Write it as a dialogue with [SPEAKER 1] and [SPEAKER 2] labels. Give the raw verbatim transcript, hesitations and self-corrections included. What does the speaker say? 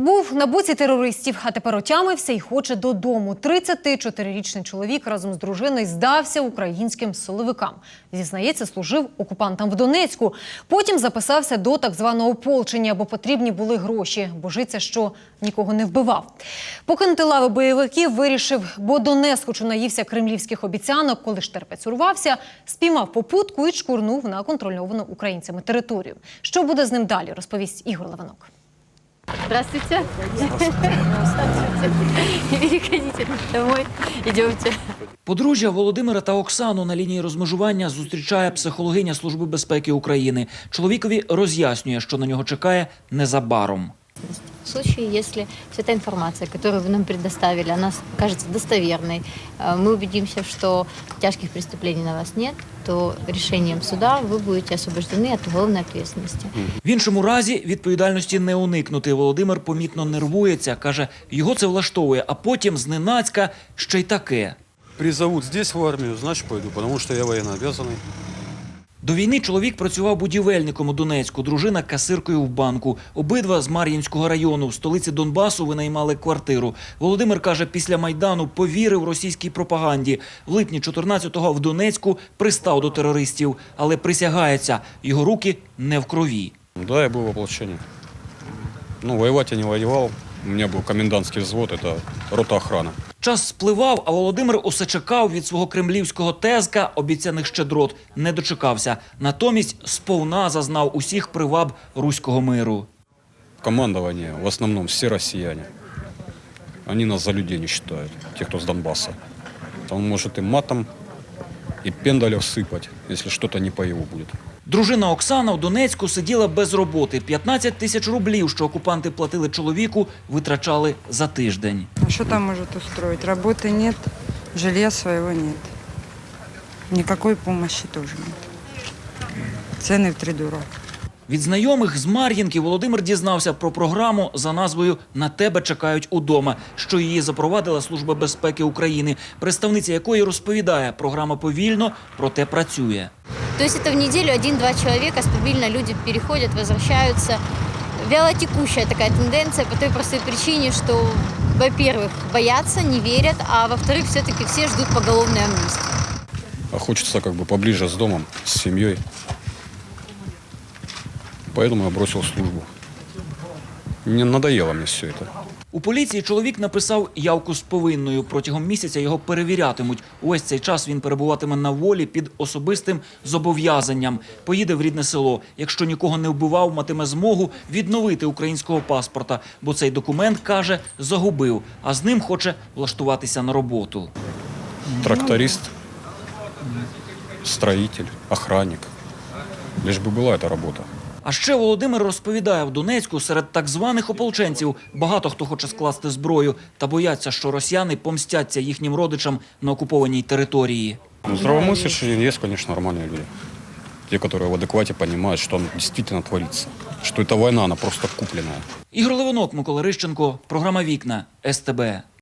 [SPEAKER 1] Був на боці терористів, а тепер отямився і хоче додому. тридцятичотирирічний чоловік разом з дружиною здався українським силовикам. Зізнається, служив окупантам в Донецьку. Потім записався до так званого ополчення, бо потрібні були гроші. Божиться, що нікого не вбивав. Покинути лави бойовиків вирішив, бо донесхочу наївся кремлівських обіцянок. Коли ж терпець урвався, спіймав попутку і чкурнув на контрольовану українцями територію. Що буде з ним далі, розповість Ігор Левинок.
[SPEAKER 2] Здравствуйте. Здравствуйте. Переходите домой. Идемте.
[SPEAKER 3] Подружжя Володимира та Оксану на лінії розмежування зустрічає психологиня Служби безпеки України. Чоловікові роз'яснює, що на нього чекає незабаром.
[SPEAKER 2] В случае, если вся та информация, которую вы нам предоставили, она кажется достоверной, мы убедимся, что тяжких преступлений на вас нет, то решением суда вы будете освобождены от уголовной ответственности.
[SPEAKER 3] В іншому разі відповідальності не уникнути. Володимир помітно нервується, каже, його це влаштовує, а потім зненацька ще й таке.
[SPEAKER 4] Призовут здесь в армию, значит пойду, потому что я военнообязанный.
[SPEAKER 3] До війни чоловік працював будівельником у Донецьку, дружина – касиркою в банку. Обидва з Мар'їнського району, в столиці Донбасу, винаймали квартиру. Володимир, каже, після Майдану повірив російській пропаганді. В липні чотирнадцятого в Донецьку пристав до терористів, але присягається, його руки не в крові.
[SPEAKER 4] Да, я был в ополчении. Ну, воевать я не воевал. У меня был комендантский взвод, это рота охраны.
[SPEAKER 3] Час спливав, а Володимир усе чекав від свого кремлівського тезка, обіцяних щедрот, не дочекався. Натомість сповна зазнав усіх приваб руського миру.
[SPEAKER 4] Командование в основном все россияне. Они нас за людей не считают, те, кто с Донбасса. Он может и матом, и пендалев сыпать, если что-то не по его будет.
[SPEAKER 3] Дружина Оксана в Донецьку сиділа без роботи. п'ятнадцять тисяч рублів, що окупанти платили чоловіку, витрачали за тиждень.
[SPEAKER 5] А что там может устроить? Работы нет, жилья своего нет. Никакой помощи тоже нет. Цены втридорога.
[SPEAKER 3] Від знайомих з Мар'їнки Володимир дізнався про програму за назвою «На тебе чекають удома», що її запровадила Служба безпеки України, представниця якої розповідає, програма повільно, проте працює.
[SPEAKER 2] То есть это в неделю один-два человека, стабильно люди переходят, возвращаются. Вялотекущая такая тенденция по той простой причине, что, во-первых, боятся, не верят, а во-вторых, все-таки все ждут поголовной амнистии.
[SPEAKER 4] А хочется как бы поближе с домом, с семьей. Поэтому я бросил службу. Не надоело мне все это.
[SPEAKER 3] У поліції чоловік написав явку з повинною. Протягом місяця його перевірятимуть. Увесь цей час він перебуватиме на волі під особистим зобов'язанням. Поїде в рідне село. Якщо нікого не вбивав, матиме змогу відновити українського паспорта. Бо цей документ, каже, загубив. А з ним хоче влаштуватися на роботу.
[SPEAKER 4] Тракторист, строитель, охранник. Лишь бы была эта работа.
[SPEAKER 3] А ще Володимир розповідає, в Донецьку серед так званих ополченців багато хто хоче скласти зброю та бояться, що росіяни помстяться їхнім родичам на окупованій території.
[SPEAKER 4] Ну, здравомыслящие есть, конечно, нормальные люди. Те, которые в адеквате понимают, что там действительно творится. Что эта война, она просто купленная.
[SPEAKER 3] Ігор Левинок, Микола Рищенко, програма «Вікна», ес те бе.